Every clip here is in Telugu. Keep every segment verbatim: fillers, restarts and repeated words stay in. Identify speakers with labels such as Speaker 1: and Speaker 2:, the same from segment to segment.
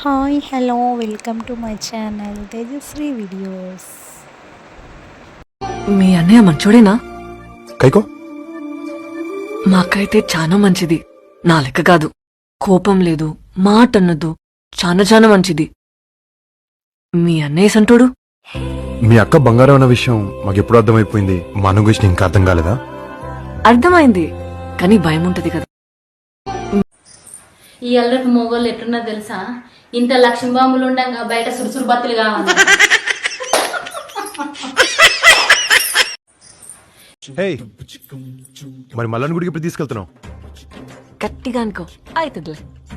Speaker 1: Hi hello welcome to my channel Tejashri videos.
Speaker 2: మీ అన్నయ్య మంచోడేనా?
Speaker 3: కైకో
Speaker 2: మా అక్క అయితే చాలా మంచిది. నా లెక్క కాదు, కోపం లేదు, మాట అన్నదు, చాలా చాలా మంచిది. మీ అన్నయ్య సంటోడు.
Speaker 3: మీ అక్క బంగారం అన్న విషయం మాకెప్పుడు అర్థమైపోయింది. మా అన్న గురించి ఇంకా అర్థం కాలేదా?
Speaker 2: అర్థమైంది, కానీ భయం ఉంటది కదా.
Speaker 4: ఈ అల్లరికి మొగోళ్ళు ఎట్టున్నా తెలుసా? ఇంత లక్ష్మీ బాంబులు ఉండగా బయట సురుసురు బత్తులు కావాలి.
Speaker 3: మరి మల్లన్న గుడికి ఎప్పుడు తీసుకెళ్తున్నావు?
Speaker 2: గట్టిగా అనుకో అవుతుందిలే.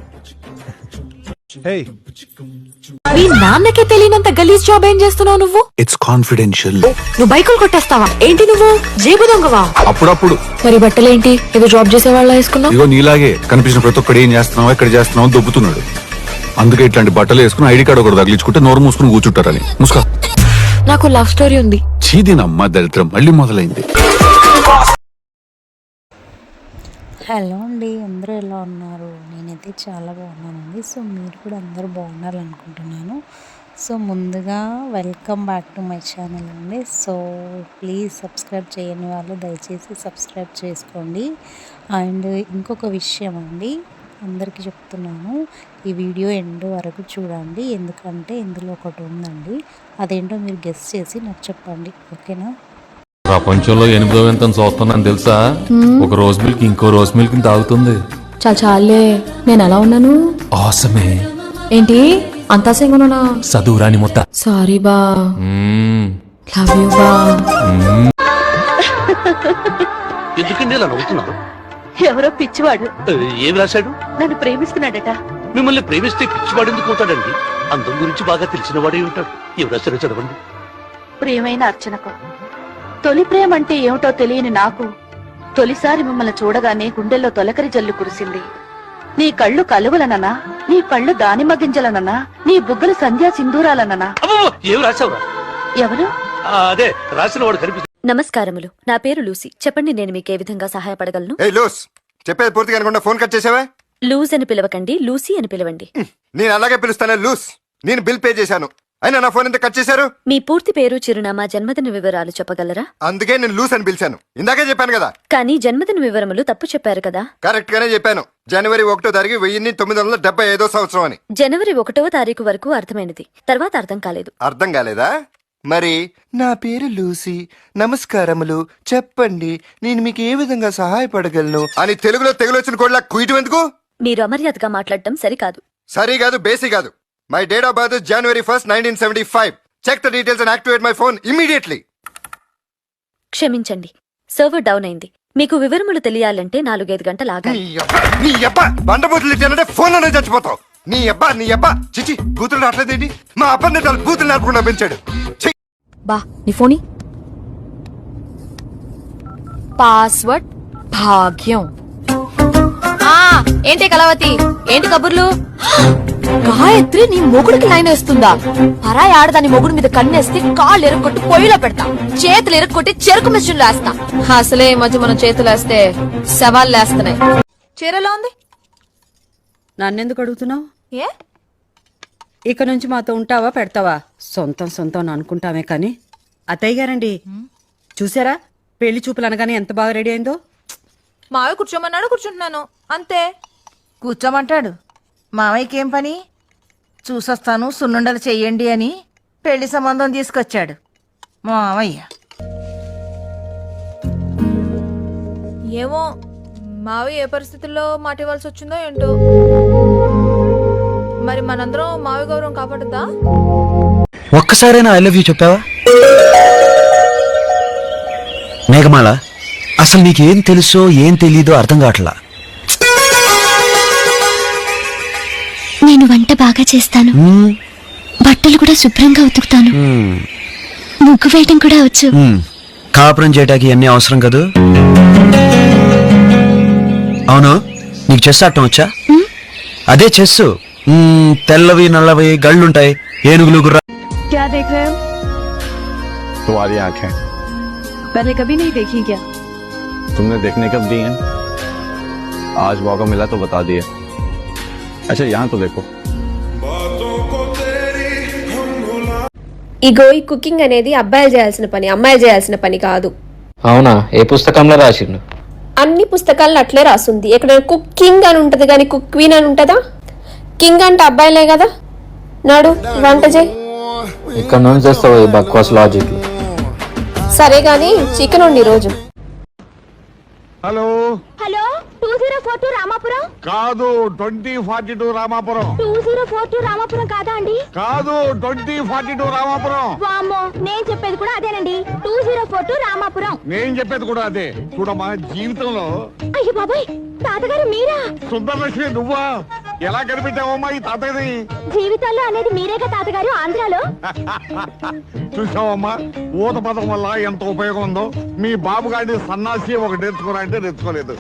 Speaker 5: మీ నాన్నకే తెలియనంత గలీజ్ జాబ్ ఏం చేస్తున్నావు నువ్వు?
Speaker 6: It's confidential.
Speaker 5: నువ్వు బైకులు కొట్టేస్తావా ఏంటి? నువ్వు జేబు దొంగవా?
Speaker 6: అప్పుడప్పుడు.
Speaker 5: మరి బట్టలేంటి ఏదో జాబ్ చేసే వాళ్ళ వేసుకున్నావు?
Speaker 6: ఇగో నీలాగే కనిపించిన ప్రతి ఒక్కడు ఏం చేస్తున్నావు ఎక్కడ చేస్తున్నావు దొబ్బుతున్నాడు. అందుకే ఇట్లాంటి బట్టలు వేసుకుని ఐడి కార్డు ఒకటి తగిలించుకుంటే నోరు మూసుకుని కూర్చుంటారని. ముసుకా.
Speaker 5: నాకు లవ్ స్టోరీ ఉంది.
Speaker 6: చీదినమ్మ దరిద్రం మళ్ళీ మొదలైంది.
Speaker 1: హలో అండి, అందరూ ఎలా ఉన్నారు? నేనైతే చాలా బాగున్నానండి. సో మీరు కూడా అందరూ బాగున్నారనుకుంటున్నాను. సో ముందుగా welcome back to my channel అండి. సో ప్లీజ్ సబ్స్క్రైబ్ చేయని వాళ్ళు దయచేసి సబ్స్క్రైబ్ చేసుకోండి. అండ్ ఇంకొక విషయం అండి, అందరికీ చెప్తున్నాను, ఈ వీడియో ఎండ్ వరకు చూడండి. ఎందుకంటే ఇందులో ఒకటి ఉందండి, అదేంటో మీరు గెస్ చేసి నాకు చెప్పండి, ఓకేనా?
Speaker 7: ప్రపంచంలో ఎనిమిదో వింత చూస్తున్నాను తెలుసా? ఒక రోజ్ మిల్క్ ఇంకో రోజ్ మిల్క్ తాగుతుంది.
Speaker 5: చాలా చాలే, నేను ఎలా ఉన్నాను?
Speaker 7: ఆసమే.
Speaker 5: ఏంటి అంతా సింగనునా?
Speaker 7: చదువురాని మొత్త.
Speaker 5: సారీ బా, లవ్ యూ బా.
Speaker 8: ఎందుకండి ఇలా నవ్వుతున్నారు?
Speaker 9: ఎవరో పిచ్చివాడు
Speaker 8: ఏమి రాశాడు?
Speaker 9: నన్ను ప్రేమిస్తున్నాడట.
Speaker 8: మిమ్మల్ని ప్రేమిస్తే పిచ్చివాడు ఎందుకు అవుతాడండి? అందం గురించి బాగా తెలిసిన వాడే ఉంటాడు. ఏమి రాశారో చదవండి.
Speaker 9: ప్రియమైన అర్చనకు, తొలి ప్రేమ అంటే ఏమిటో తెలియని నాకు తొలిసారి మిమ్మల్ని చూడగానే గుండెల్లో తొలకరి జల్లు కురిసింది. నీ కళ్ళు కలువలననా, నీ కళ్ళు దానిమ్మ గింజలననా, నీ బుగ్గలు సంధ్యా సింధూరాలననా?
Speaker 8: ఏమి రాశావురా?
Speaker 9: ఎవరు?
Speaker 8: అదే రాసిన వాడు కనిపిస్తుంది.
Speaker 10: నమస్కారములు, నా పేరు లూసీ. చెప్పండి, నేను మీకు ఏ విధంగా సహాయపడగలను?
Speaker 3: చెప్పేది పూర్తిగా అనుకుంటా ఫోన్ కట్ చేసావా?
Speaker 10: లూజ్ అని పిలవకండి, లూసీ అని పిలవండి.
Speaker 3: నేను అలాగే పిలుస్తాను లూస్. నేను బిల్ పే చేశాను, అయినా నా ఫోన్ ఎంత కట్ చేశారు?
Speaker 10: మీ పూర్తి పేరు, చిరునామా, జన్మదిన వివరాలు చెప్పగలరా?
Speaker 3: అందుకే నేను లూస్ అని పిలిచాను. ఇందాకే చెప్పాను కదా.
Speaker 10: కానీ జన్మదిన వివరములు తప్పు చెప్పారు కదా?
Speaker 3: కరెక్ట్ గానే చెప్పాను. జనవరి ఒకటో తారీఖు వెయ్యి తొమ్మిది వందల డెబ్బై ఐదో సంవత్సరం అని.
Speaker 10: జనవరి ఒకటవ తారీఖు వరకు అర్థమైనది, తర్వాత అర్థం కాలేదు.
Speaker 3: అర్థం కాలేదా? మరి నా పేరు లూసీ, నమస్కారములు, చెప్పండి నేను మీకు ఏ విధంగా సహాయపడగలను అని తెలుగులో తెగులొచ్చిన కోడ్లా కుయిటు ఎందుకు?
Speaker 10: మీరు అమర్యాదగా మాట్లాడటం సరికాదు.
Speaker 3: సరి కాదు, బేసి కాదు. My date of birth January first nineteen seventy five. Check the details and activate my phone immediately.
Speaker 10: క్షమించండి, సర్వర్ డౌన్ అయింది. మీకు వివరములు తెలియాలంటే నాలుగైదు గంటలు ఆగాలి.
Speaker 3: నీ అబ్బా బండబూతులు ఇచ్చానంటే ఫోన్ లోనే చచ్చిపోతావు. నీ అబ్బా నీ అబ్బా చిచి కూతురు రావట్లేదేంటి? మా అబ్బాయి చాలా కూతురు నడపకుండా పెంచాడు.
Speaker 5: బా నీ ఫోని పాస్వర్డ్ భాగ్యం. ఏంటి కలవతి, ఏంటి కబుర్లు? గాయత్రి నీ మొగుడికి లైన్ వేస్తుందా? పరాయి ఆడదాని మొగుడు మీద కన్నేస్తే కాళ్ళు ఎరుక్కొట్టి పొయ్యిలో పెడతా, చేతులు ఎరుక్కొట్టి చెరుకు మిషన్ లేస్తా. అసలే ఈ మధ్య మనం చేతులు వేస్తే సవాళ్ళు లేస్తున్నాయి. చీరలో ఉంది.
Speaker 11: నన్నెందుకు అడుగుతున్నావు?
Speaker 5: ఏ
Speaker 11: ఇక నుంచి మాతో ఉంటావా పెడతావా? సొంతం సొంతం అనుకుంటామే కానీ. అత్తయ్య గారండి, చూసారా పెళ్లి చూపులు అనగానే ఎంత బాగా రెడీ అయిందో?
Speaker 5: మావి కూర్చోమన్నాడు, కూర్చుంటున్నాను అంతే.
Speaker 9: కూర్చోమంటాడు. మావయ్యకి ఏం పని? చూసొస్తాను సున్నుండలు చెయ్యండి అని పెళ్లి సంబంధం తీసుకొచ్చాడు మావయ్య.
Speaker 5: ఏమో మావి ఏ పరిస్థితుల్లో మాట ఇవ్వాల్సి వచ్చిందో ఏంటో. మరి మనందరం మావి గౌరవం కాపాడుతా?
Speaker 12: ఒక్కసారైనా ఐ లవ్ యూ చెప్పావా? మేఘమాల, అసలు నీకేం తెలుసో ఏం తెలీదో అర్థం కావట్లా.
Speaker 13: నేను వంట బాగా చేస్తాను, బట్టలు కూడా శుభ్రంగా ఉతుకుతాను, ముగ్గు వేయటం కూడా వచ్చు.
Speaker 12: కాపురం చేయడానికి ఎన్ని అవసరం కదూ. అవును, నీకు చెస్ ఆడటం వచ్చా? అదే చెస్సు. తెల్లవి నల్లవి గళ్ళుంటాయి, ఏనుగులు గుర్రా.
Speaker 13: क्या देख रहे हो?
Speaker 6: तुम्हारी आंखें
Speaker 13: पहले कभी नहीं देखी क्या?
Speaker 6: तुमने देखने कब दी हैं? आज मौका मिला तो बता दिया। अच्छा यहाँ तो देखो।
Speaker 14: ఇగో ఈ కుకింగ్ అనేది అబ్బాయిలు చేయాల్సిన పని, అమ్మాయిలు చేయాల్సిన పని కాదు.
Speaker 15: అవునా? ఏ పుస్తకంలో రాసిండు?
Speaker 14: అన్ని పుస్తకాలను అట్లే రాస్తుంది. ఎక్కడైనా కుకింగ్ అని ఉంటది కానీ కుక్ క్వీన్ అని ఉంటదా? కింగ్ అంటే అబ్బాయిలే కదా. నాడు వంట చేయి.
Speaker 15: ఇక్కడ నుంచి చేస్తావు ఈ బక్వాస్ లాజిక్.
Speaker 14: సరే గాని చికెన్ ఉండి రోజు.
Speaker 16: Hello
Speaker 13: hello two zero four two Ramapuram
Speaker 16: కాదు, twenty forty two Ramapuram.
Speaker 13: Two zero four two Ramapuram కాదా అండి?
Speaker 16: కాదు, ట్వంటీ ఫార్టీ టూ రామాపురం.
Speaker 13: వామ్మో, నేను చెప్పేది కూడా అదేనండి. Two zero four two Ramapuram.
Speaker 16: నేను చెప్పేది కూడా అదే. చూడమ్మా, జీవితంలో
Speaker 13: అయ్యో బాబాయ్, తాతగారు మీరా?
Speaker 16: సుందరలక్ష్మి నువ్వా? ఎలా కనిపెట్టావమ్మా ఈ తాతయ్యని?
Speaker 13: జీవితాల్లో అనేది మీరేగా తాతగారు ఆంధ్రాలో.
Speaker 16: చూసావమ్మా, ఊత పదం వల్ల ఎంత ఉపయోగం ఉందో. మీ బాబు గారిని సన్నాసి ఒకటి నేర్చుకున్నా అంటే నేర్చుకోలేదు.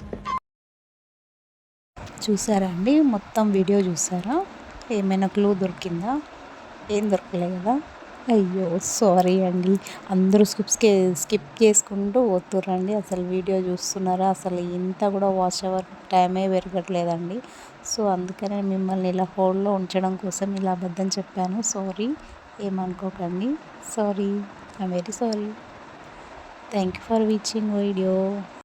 Speaker 1: చూసారా అండి, మొత్తం వీడియో చూసారా? ఏమైనా క్లూ దొరికిందా? ఏం దొరకలే కదా. అయ్యో సారీ అండి. అందరూ స్కిప్స్ స్కిప్ చేసుకుంటూ పోతుర్రండి. అసలు వీడియో చూస్తున్నారా? అసలు ఇంత కూడా వాచ్ అవర్ టైమే పెరగట్లేదండి. సో అందుకనే మిమ్మల్ని ఇలా హోల్డ్లో ఉంచడం కోసం ఇలా అబద్ధం చెప్పాను. సారీ, ఏమనుకోకండి. Sorry, I'm very sorry. Thank you for watching video.